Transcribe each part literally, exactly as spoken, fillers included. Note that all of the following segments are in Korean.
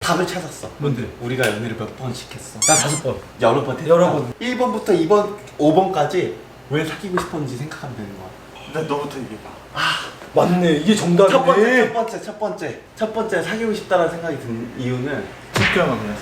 답을 찾았어. 뭔데? 우리가 연애를 몇 번씩 했어? 나 다섯 번. 여러 번 했다. 여러 번. 일 번부터 이 번, 오 번까지 왜 사귀고 싶었는지 생각하면 되는 거야. 나 너부터 얘기해봐. 맞네. 이게 정답이네. 첫 번째, 첫 번째, 첫 번째, 첫 번째 사귀고 싶다라는 생각이 든 이유는 학교만면서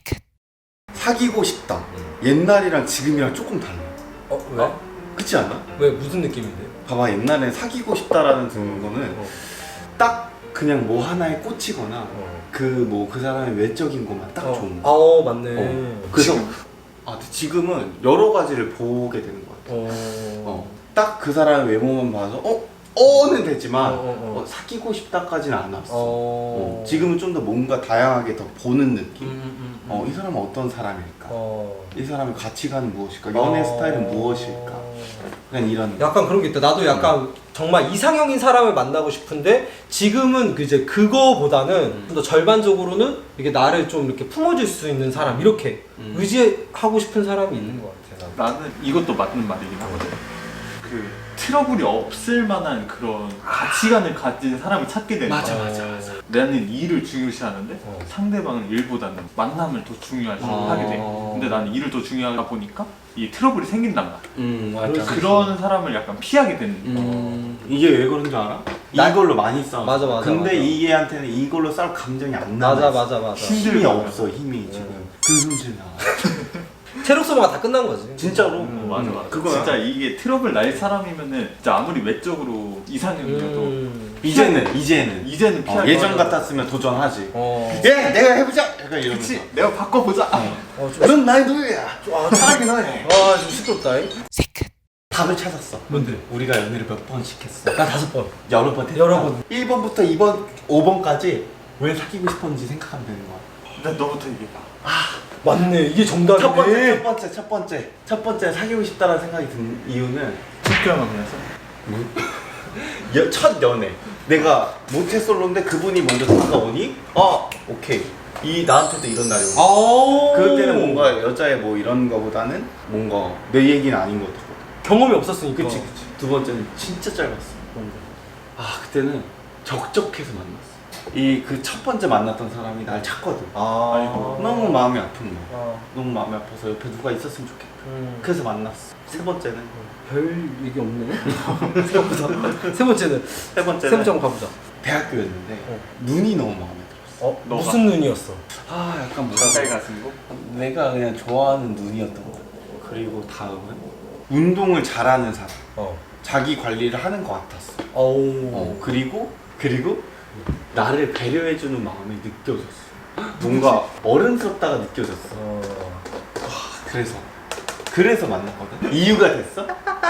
사귀고 싶다. 옛날이랑 지금이랑 조금 달라. 어 왜? 어? 그렇지 않아? 왜 무슨 느낌인데? 봐봐, 옛날에 사귀고 싶다라는 드는 거는 어. 딱 그냥 뭐 하나에 꽂히거나 어. 그 뭐 그 사람의 외적인 것만 딱 어. 좋은 거. 어 맞네. 어. 그래서 아, 근데 지금은 여러 가지를 보게 되는 것 같아. 어. 어. 딱 그 사람의 외모만 봐서 어? 어는 되지만 어, 어, 어. 어, 사귀고 싶다까지는 안 왔어. 어. 어. 지금은 좀 더 뭔가 다양하게 더 보는 느낌. 음, 음, 음. 어, 이 사람은 어떤 사람일까? 어. 이 사람의 가치관은 무엇일까? 연애 어. 스타일은 무엇일까? 그냥 이런. 약간 그런 게 있다. 나도 약간 정말 이상형인 사람을 만나고 싶은데 지금은 그 이제 그거보다는 음. 좀 더 절반적으로는 이게 나를 좀 이렇게 품어줄 수 있는 사람 이렇게 음. 의지하고 싶은 사람이 있는 것 같아. 나도. 나는 이것도 맞는 말이긴 하거든. 그 트러블이 없을 만한 그런 가치관을 가진 사람을 찾게 되는 맞아, 거야. 맞아, 맞아. 나는 일을 중요시하는데 어. 상대방은 일보다는 만남을 더 중요하게 아. 하게 돼. 근데 나는 일을 더 중요하다 보니까 이 트러블이 생긴단 말이야. 음, 맞아. 그런 사람을 약간 피하게 되는 거야. 음, 이게 왜 그런 줄 알아? 나- 이걸로 많이 싸워. 맞아, 맞아, 근데 맞아. 이 애한테는 이걸로 싸울 감정이 안 나. 맞아 맞아 맞아. 힘- 힘이 없어, 힘이 지금. 음. 그 손질 나. 체력 소모가 다 끝난 거지. 진짜로. 음, 맞아 음, 맞아. 그거야. 진짜 이게 트러블 날 사람이면은 진짜 아무리 외적으로 이상형이어도 음. 이제는 이제는 이제는 어, 피하게. 예전 같았으면 도전하지. 어. 예, 내가 해보자. 약간 이러면서. 그치. 내가 바꿔보자. 어, 좀, 넌 나의 노예야. 아, 차라리 너네. 아, 좀 시끄럽다. 답을 찾았어. 뭔데? 우리가 연애를 몇 번씩 했어? 나 다섯 번. 여러 번 했다. 여러 번. 일 번부터 이 번, 오 번까지 왜 사귀고 싶었는지 생각하면 되는 거야. 나 너부터 얘기해봐. 맞네. 이게 정답이네. 첫 번째, 첫 번째, 첫 번째, 첫 번째 사귀고 싶다는 생각이 든 이유는 학교만면서 여, 첫 연애. 내가 모태솔로인데 그분이 먼저 다가오니, 아, 오케이. 이 나한테도 이런 날이 오고. 아. 그때는 뭔가 여자의 뭐 이런 거보다는 뭔가 내 얘기는 아닌 것 같거든. 경험이 없었으니까. 그치, 그치. 두 번째는 진짜 짧았어. 뭔데? 아, 그때는 적적해서 만났어. 이 그 첫 번째 만났던 사람이 날 찾거든. 아. 아이고. 너무 마음이 아픈 거야. 아. 너무 마음이 아파서 옆에 누가 있었으면 좋겠다. 음. 그래서 만났어. 세 번째는 별 얘기 없네. 생각보다. 세 번째는 세 번째는 세 번째 한번 가보자. 대학교였는데 어. 눈이 너무 마음에 들었어. 어? 너가. 무슨 눈이었어? 아, 약간 뭐라 가까이 그래. 가슴 거. 내가 그냥 좋아하는 눈이었던 거. 그리고 다음은 운동을 잘하는 사람. 어. 자기 관리를 하는 것 같았어. 어우. 어, 그리고 그리고 나를 배려해주는 마음이 느껴졌어. 뭔가 어른스럽다가 느껴졌어. 어. 그래서 그래서 만났거든. 이유가 됐어?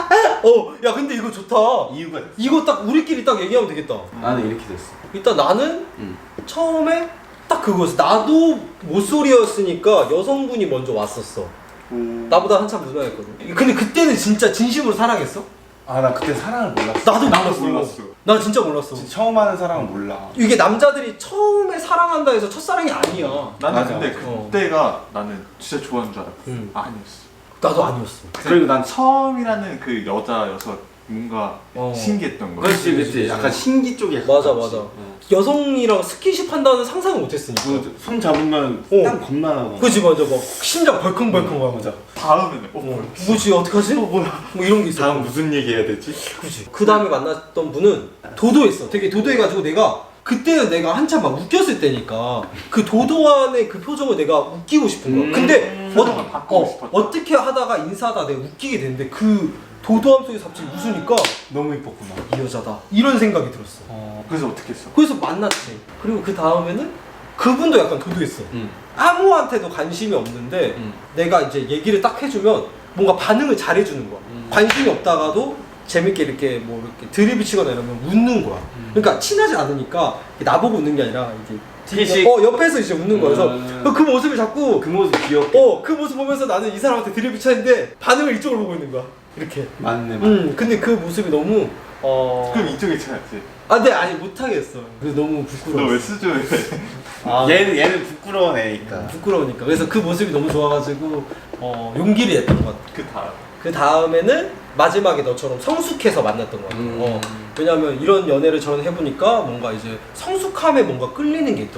어, 야 근데 이거 좋다. 이유가 됐어. 이거 딱 우리끼리 딱 얘기하면 되겠다. 나는 이렇게 됐어. 일단 나는 응. 처음에 딱 그거였어. 나도 모쏠이었으니까 여성분이 먼저 왔었어. 오. 나보다 한참 누나였거든. 근데 그때는 진짜 진심으로 사랑했어? 아, 나 그때 사랑을 몰랐어. 나도 나도 몰랐어. 몰랐어. 나 진짜 몰랐어. 진짜 처음 하는 사람은 몰라. 이게 남자들이 처음에 사랑한다 해서 첫사랑이 아니야. 나는 맞아, 근데 맞아. 그때가 나는 진짜 좋아하는 줄 알았어. 응. 아니었어. 나도 아니었어. 그리고 난 처음이라는 그 여자여서 뭔가 어. 신기했던 거야. 그렇지, 그렇지. 약간 신기 쪽에 맞아, 가깝지. 맞아. 어. 여성이랑 스킨십 한다는 상상을 못했으니까. 그손 잡으면 어. 땀 겁나 나고. 그치 맞아 막 심장 벌컹벌컹 하고 맞아. 다음에는 어, 어, 뭐야. 뭐지 어떡하지? 어, 뭐야 뭐 이런 게 있어. 다음 무슨 얘기 해야 되지? 그치. 그 다음에 만났던 분은 도도했어. 되게 도도해가지고 내가 그때는 내가 한참 막 웃겼을 때니까 그 도도한의 그 표정을 내가 웃기고 싶은 거야. 음, 근데 표정을 어, 바꾸고 어, 싶었다. 어떻게 하다가 인사하다 내가 웃기게 됐는데 그 도도함 속에서 갑자기 웃으니까 너무 이뻤구나. 이 여자다 이런 생각이 들었어. 어. 그래서 어떻게 했어? 그래서 만났지. 그리고 그 다음에는 그분도 약간 도도했어. 응. 아무한테도 관심이 없는데 응. 내가 이제 얘기를 딱 해주면 뭔가 반응을 잘해주는 거야. 음. 관심이 없다가도 재밌게 이렇게 뭐 이렇게 드립을 치거나 이러면 웃는 거야. 음. 그러니까 친하지 않으니까 나보고 웃는 게 아니라 이게 티식? 어 옆에서 이제 웃는 거야. 그래서 음. 그 모습을 자꾸 그 모습 귀엽게. 어 그 모습 보면서 나는 이 사람한테 드립을 치는데 반응을 이쪽으로 보고 있는 거야. 이렇게. 맞네. 맞네. 음 근데 그 모습이 너무 어. 그럼 이쪽에 쳐야지. 아 근데 아니 못하겠어. 그래서 너무 부끄러워. 너 왜 수조해? 아, 얘는 얘는 부끄러운 애니까. 부끄러우니까. 그래서 그 모습이 너무 좋아가지고 어, 용기를 냈던 것 같아. 그 다음. 그 다음에는 마지막에 너처럼 성숙해서 만났던 것 같아. 음. 어, 왜냐면 이런 연애를 저는 해보니까 뭔가 이제 성숙함에 뭔가 끌리는 게 있더라고.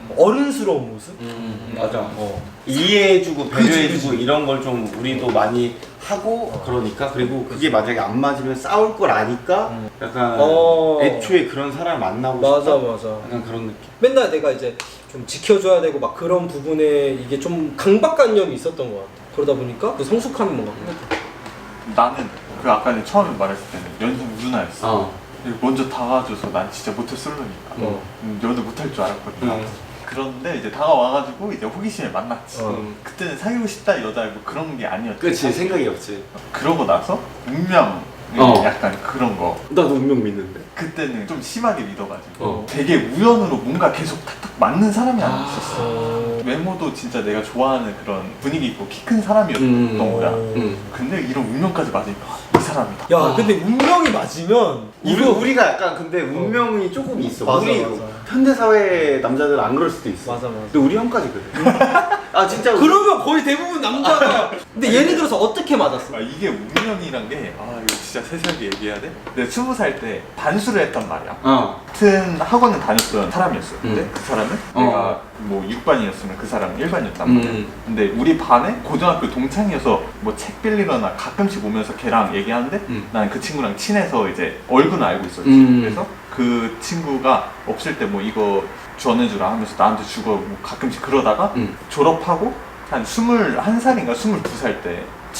어른스러운 모습? 음, 맞아. 어. 이해해주고 그치, 배려해주고 그치. 이런 걸 좀 우리도 많이 하고 그러니까 그리고 그게 만약에 안 맞으면 싸울 걸 아니까 음. 약간 어. 애초에 그런 사람 만나고 맞아 싶다? 맞아. 약간 그런 느낌. 맨날 내가 이제 좀 지켜줘야 되고 막 그런 부분에 이게 좀 강박관념이 있었던 것 같아. 그러다 보니까 그 성숙함이 뭔가 생겼다. 나는 그 아까 내가 처음에 말했을 때는 연습 누나였어. 어. 그리고 먼저 다가와줘서 난 진짜 모태솔로니까 어. 음, 연애 못할 줄 알았거든. 음. 그런데 이제 다가와가지고 이제 호기심에 만났지. 어. 그때는 사귀고 싶다 여자 뭐 그런 게 아니었지. 그치 생각이 없지. 그러고 나서 운명 어. 약간 그런 거. 나도 운명 믿는데. 그때는 좀 심하게 믿어가지고 어. 되게 우연으로 뭔가 계속 탁탁 맞는 사람이 아니었어. 어. 외모도 진짜 내가 좋아하는 그런 분위기 있고 키 큰 사람이었던 음. 거야. 응. 근데 이런 운명까지 맞으니까 이 사람이다. 야 근데 운명이 맞으면 우리, 이거 우리가 약간 근데 운명이 조금 있어. 맞아, 우리 맞아. 현대사회 남자들은 안 그럴 수도 있어. 맞아, 맞아. 근데 우리 형까지 그래. 아 진짜. 우리- 그러면 거의 대부분 남자가 근데 예를 들어서 어떻게 맞았어? 아, 이게 운명이란 게, 아, 이거 진짜 세세하게 얘기해야 돼? 내가 스무 살 때 반수를 했단 말이야. 어. 같은 학원을 다녔던 사람이었어. 근데 음. 그 사람은 어. 내가 뭐 육 반이었으면 그 사람은 일 반이었단 말이야. 음. 근데 우리 반에 고등학교 동창이어서 뭐 책 빌리거나 가끔씩 오면서 걔랑 얘기하는데 음. 난 그 친구랑 친해서 이제 얼굴은 알고 있었지. 음. 그래서 그 친구가 없을 때 뭐 이거 전해주라 하면서 나한테 주고 뭐 가끔씩 그러다가 음. 졸업하고 한 스물한 살인가 스물두 살 때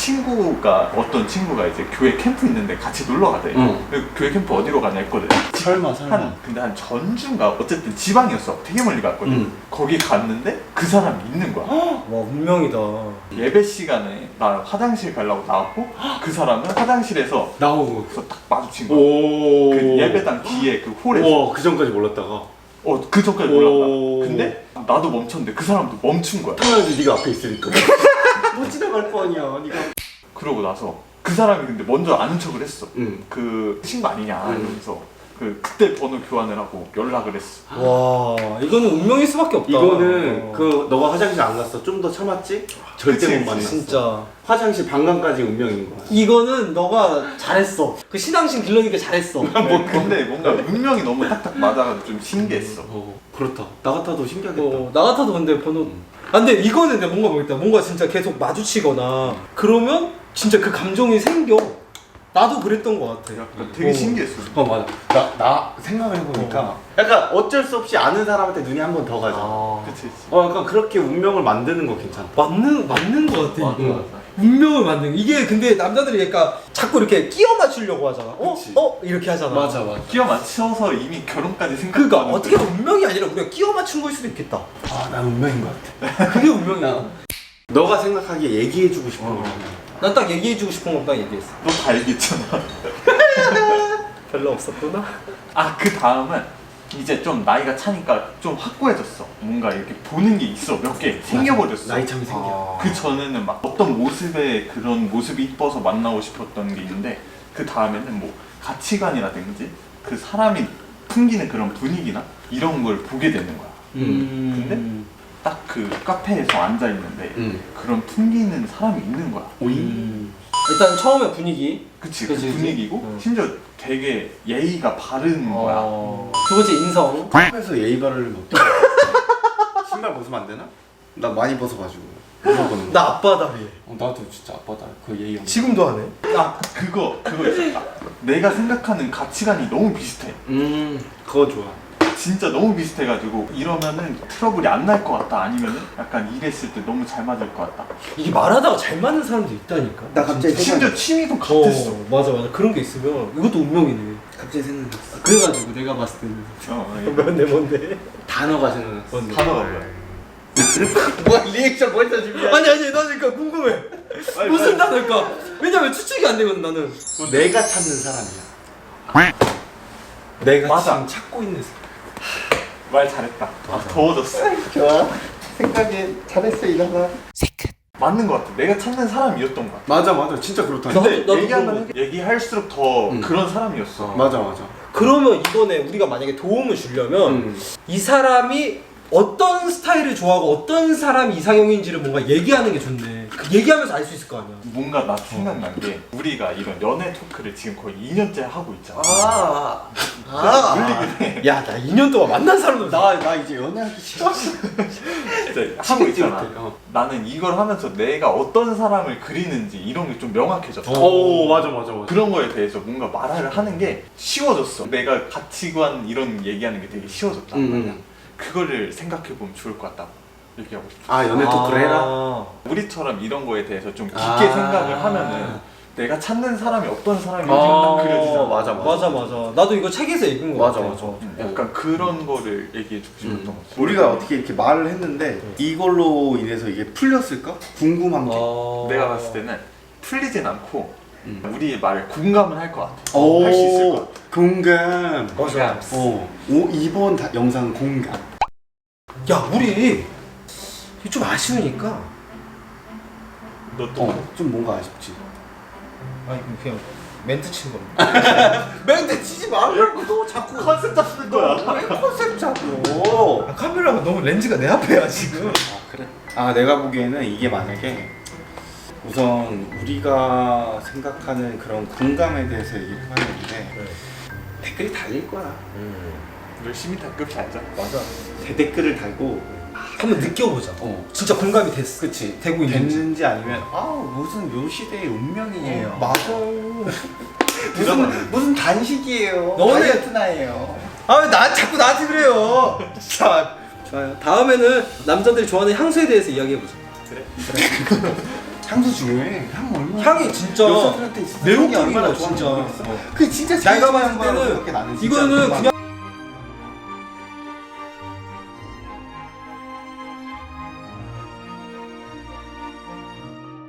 친구가 어떤 친구가 이제 교회 캠프 있는데 같이 놀러 가대. 응. 그 교회 캠프 어디로 가냐 했거든. 설마 설마. 한 근데 한 전주인가 어쨌든 지방이었어. 되게 멀리 갔거든. 응. 거기 갔는데 그 사람이 있는 거야. 와 운명이다. 예배 시간에 나 화장실 가려고 나왔고 그 사람은 화장실에서 나오고. 그래서 딱 마주친 거야. 오. 그 예배당 뒤에 그 홀에서. 와, 그 전까지 몰랐다가. 어, 그 전까지 오. 몰랐다. 근데 나도 멈췄는데 그 사람도 멈춘 거야. 당연하지, 네가 앞에 있으니까. 못 지나갈 거 아니야, 네가. 그러고 나서 그 사람이 근데 먼저 아는 척을 했어. 응. 그 친구 아니냐 응. 이러면서 그 그때 번호 교환을 하고 연락을 했어. 와 이거는 운명일 수밖에 없다. 이거는 어. 그 너가 화장실 안 갔어. 좀 더 참았지? 절대 그치, 못 만났어. 진짜 화장실 방광까지 운명인 거야. 이거는 너가 잘했어. 그 신앙심 길러니까 잘했어. 네, 근데 뭔가 운명이 너무 딱딱 맞아가지고 좀 신기했어. 어, 그렇다. 나 같아도 신기하겠다. 어, 나 같아도 근데 번호. 아 근데 이거는 내가 뭔가 모르겠다. 뭔가 진짜 계속 마주치거나 그러면 진짜 그 감정이 생겨. 나도 그랬던 것 같아. 약간 되게 어. 신기했어. 어, 맞아. 나, 나 생각을 해보니까 약간 어쩔 수 없이 아는 사람한테 눈이 한 번 더 가잖아. 아, 그치 그치. 어, 약간 그렇게 운명을 만드는 거 괜찮다. 맞는 맞는 것 같아 맞아, 이거. 맞아. 운명을 만든 거. 이게 근데 남자들이 약간 자꾸 이렇게 끼워 맞추려고 하잖아. 어? 그치. 어? 이렇게 하잖아. 맞아. 끼워 맞춰서 이미 결혼까지 그러니까 생각하는. 어떻게 보면 운명이 아니라 우리가 끼워 맞춘 거일 수도 있겠다. 아, 난 운명인 것 같아. 그게 운명이야. 너가 생각하기에 얘기해주고 싶은 어. 거. 난 딱 얘기해주고 싶은 건 딱 얘기했어. 너 다 얘기했잖아. 별로 없었구나. 아 그 다음은 이제 좀 나이가 차니까 좀 확고해졌어. 뭔가 이렇게 보는 게 있어. 몇 개 생겨버렸어. 나이 참이 생겨. 그 전에는 막 어떤 모습에 그런 모습이 이뻐서 만나고 싶었던 게 있는데 그 다음에는 뭐 가치관이라든지 그 사람이 풍기는 그런 분위기나 이런 걸 보게 되는 거야. 음. 딱 그 카페에서 앉아 있는데 응. 그런 풍기는 사람이 있는 거야. 음. 일단 처음에 분위기. 그치, 그치, 그 그치. 분위기고 응. 심지어 되게 예의가 바른 거야. 어. 두 번째 인성. 카페에서 예의 바르려면 어떡해? 신발 벗으면 안 되나? 나 많이 벗어가지고. 물어보는 거. 나 앞바다리. 어, 나도 진짜 아빠다. 그 예의 없는. 지금도 하네. 아 그거 그거 있었다. 내가 생각하는 가치관이 너무 비슷해. 음, 그거 좋아. 진짜 너무 비슷해가지고 이러면은 트러블이 안 날 것 같다. 아니면은 약간 일했을 때 너무 잘 맞을 것 같다. 이게 말하다가 잘 맞는 사람도 있다니까. 나 갑자기 심지어 취미도 같았어. 어, 맞아 맞아. 그런 게 있으면 이것도 운명이네. 갑자기 생각났어. 그래가지고 내가 봤을 때는 어, 예. 뭔데 뭔데. 단어가 생각났어. 뭔데? 단어가 뭐야? 뭐야 리액션 벌써 준비해? 아니 아니 나 그러니까 궁금해. 빨리, 무슨 빨리. 단어일까? 왜냐면 추측이 안 되거든 나는. 내가 찾는 사람이야. 내가 맞아. 지금 찾고 있는 사람. 말 잘했다. 아, 더워졌어. 좋아. 생각에 잘했어 이나가. 맞는 것 같아. 내가 찾는 사람이었던 것 같아. 맞아 맞아 진짜 그렇다. 나- 근데 나도 얘기하면 얘기할수록 더 응. 그런 사람이었어. 맞아 맞아. 그러면 이번에 우리가 만약에 도움을 주려면 음. 이 사람이 어떤 스타일을 좋아하고 어떤 사람이 이상형인지를 뭔가 얘기하는 게 좋네. 그 얘기하면서 알 수 있을 거 아니야. 뭔가 나 생각난 게 우리가 이런 연애 토크를 지금 거의 이 년째 하고 있잖아. 아, 물리긴 해. 야, 나 이 년 동안 만난 사람도 나, 나 이제 연애하기 싫었어. 진짜 하고 있잖아. 어. 나는 이걸 하면서 내가 어떤 사람을 그리는지 이런 게 좀 명확해졌어. 오, 맞아, 맞아, 맞아. 그런 거에 대해서 뭔가 말을 하는 게 쉬워졌어. 내가 가치관 이런 얘기하는 게 되게 쉬워졌다. 음, 음. 그거를 생각해보면 좋을 것 같다. 얘기하고 싶어. 아, 연애 토크를 해라? 아. 우리처럼 이런 거에 대해서 좀 깊게 아. 생각을 하면은 내가 찾는 사람이 어떤 사람인지 아, 딱 그려지잖아. 맞아, 맞아 맞아. 나도 이거 책에서 읽은 거 맞아, 같아. 맞아. 음, 약간 그런 거를 얘기해주고 싶었던 것 같아. 우리가 어떻게 이렇게 말을 했는데 이걸로 인해서 이게 풀렸을까? 궁금한 게. 어... 내가 봤을 때는 풀리진 않고 음. 우리의 말에 공감은 할 것 같아. 오, 할 수 있을 것 같아. 공감. 맞아. 어, 오, 이번 다, 영상 공감. 야, 우리 좀 아쉬우니까. 너 또 어, 좀 뭔가 아쉽지. 아니 그냥 멘트 친 겁니다. 멘트 치지 말라고 너 자꾸 컨셉 잡는 거야. 왜 컨셉 잡고? 아, 카메라가 너무 렌즈가 내 앞에야 지금. 아 그래? 아 내가 보기에는 이게 만약에 우선 우리가 생각하는 그런 공감에 대해서 얘기를 해봤는데 댓글이 달릴 거야. 열심히 댓글 달자. 맞아. 대댓글을 달고 한번 느껴보자. 어 진짜 공감이 됐어. 그치 되고 있는지. 됐는지 아니면 아 무슨 요 시대의 운명이에요. 맞아. 무슨 무슨 단식이에요. 너네- 다이어트 나예요. 아, 나 자꾸 나한테 그래요. 자, 좋아요. 다음에는 남자들이 좋아하는 향수에 대해서 이야기해보자. 향수 중요해. 향 얼마나 향이 진짜 여자들한테 있어. 매혹적인 향이 얼마나 거야, 좋아하는지 진짜. 모르겠어. 어. 그게 진짜 제일 내가 중요한 봤을 거라고 때는 생각해, 나는 진짜. 이거는 공감. 그냥